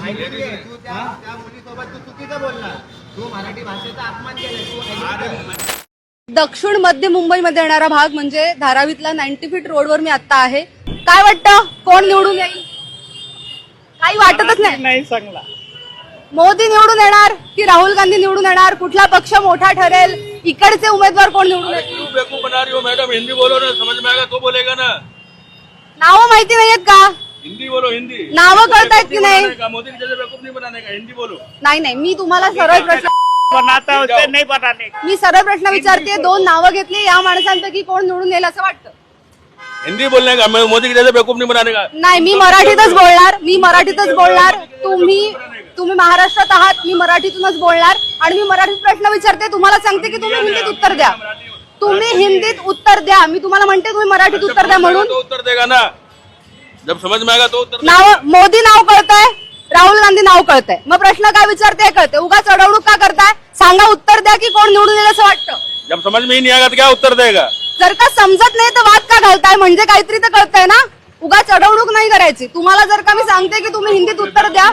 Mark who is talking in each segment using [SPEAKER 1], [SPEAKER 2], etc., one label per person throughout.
[SPEAKER 1] तू त्या मुलीसोबत तू चुकीचं बोलला, तू मराठी भाषेचा अपमान केला.
[SPEAKER 2] दक्षिण मध्य मुंबईमध्ये येणारा भाग म्हणजे धारावीतला 90 फीट रोडवर मी आता आहे. काय वाटतं कोण निवडून येईल? काही वाटतच नाही.
[SPEAKER 3] चांगला
[SPEAKER 2] मोदी निवडून येणार की राहुल गांधी निवडून येणार? कुठला पक्ष मोठा ठरेल? इकडचे उमेदवार कोण निवडून येतील?
[SPEAKER 4] बेवकूफ बना रही हो मैडम, हिंदी बोलो ना, समझ में आएगा तो बोलेगा ना.
[SPEAKER 2] नावं माहिती नाहीयेत का?
[SPEAKER 4] हिंदी बोलो, हिंदी.
[SPEAKER 2] नावं कळतायत की नाही?
[SPEAKER 4] मोदी जैसे बेवकूफ नहीं बनाने का, हिंदी बोलो.
[SPEAKER 2] नाही मी तुम्हाला सरळ प्रश्न
[SPEAKER 3] बनाता उसे नहीं बनाने.
[SPEAKER 2] मी सरळ प्रश्न विचारते. दोन नावं घेतली, या माणसांपैकी कोण निवडून येईल असं वाटतं?
[SPEAKER 4] हिंदी बोलने का, मोदी जैसे बेवकूफ नहीं बनाने का.
[SPEAKER 2] नाही, मी मराठीतच बोलणार. तुम्ही महाराष्ट्रात आहात, मी मराठीतूनच बोलणार आणि मी मराठीत प्रश्न विचारते, तुम्हाला सांगते की तुम्ही हिंदीत उत्तर द्या. तुम्ही हिंदीत उत्तर द्या. मी तुम्हाला म्हणते तुम्ही मराठीत उत्तर द्या म्हणून.
[SPEAKER 4] तो उत्तर देगा ना, जब समझ में आएगा तो उत्तर.
[SPEAKER 2] नाव मोदी नाव कळतंय, राहुल गांधी नाव कळतंय, मग प्रश्न काय विचारते कळते. उगाच चढवणूक का करताय? सांगा, उत्तर द्या की कोण निवडून येईल असं वाटतं.
[SPEAKER 4] जब समझ में ही नहीं आएगा तो क्या उत्तर देगा?
[SPEAKER 2] जर का समजत नाही तर वाद का घालताय? म्हणजे काहीतरी तर कळतंय ना. उगाच चढवणूक नाही करायची. तुम्हाला जर का मी सांगते की तुम्ही हिंदीत उत्तर द्या,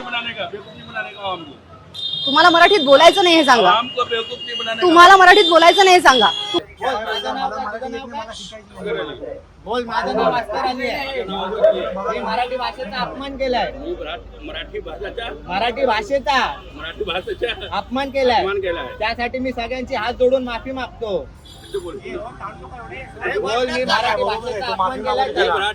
[SPEAKER 2] तुम्हाला मराठीत बोलायचं नाही हे सांगा. तुम्हाला मराठीत बोलायचं नाही हे सांगा.
[SPEAKER 1] बोल, माझं नाव अस्कर अली आहे. मी मराठी भाषेचा अपमान केलाय. मराठी भाषेचा अपमान केलाय. त्यासाठी मी सगळ्यांची हात जोडून माफी मागतो. बोल, मी मराठी भाषेचा अपमान केलाय,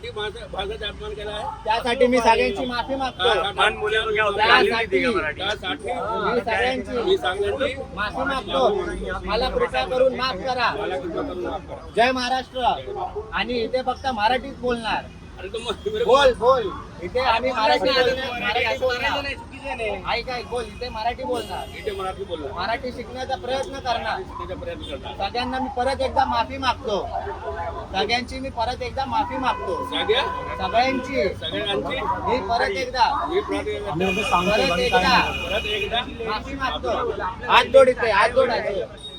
[SPEAKER 1] त्यासाठी मी सगळ्यांची माफी मागतो. त्यासाठी मी सगळ्यांची माफी मागतो. मला कृपा करून माफ करा. जय महाराष्ट्र. आणि इथे फक्त मराठीत बोलणार. बोल इथे आम्ही मराठी बोलणार. ऐक बोल, इथे मराठी बोलणार. मराठी शिकण्याचा प्रयत्न करणार. सगळ्यांना मी परत एकदा माफी मागतो. सगळ्यांची मी परत एकदा माफी मागतो. सगळ्यांची मी परत एकदा माफी मागतो. हात जोड, इथे हात जोडायचे.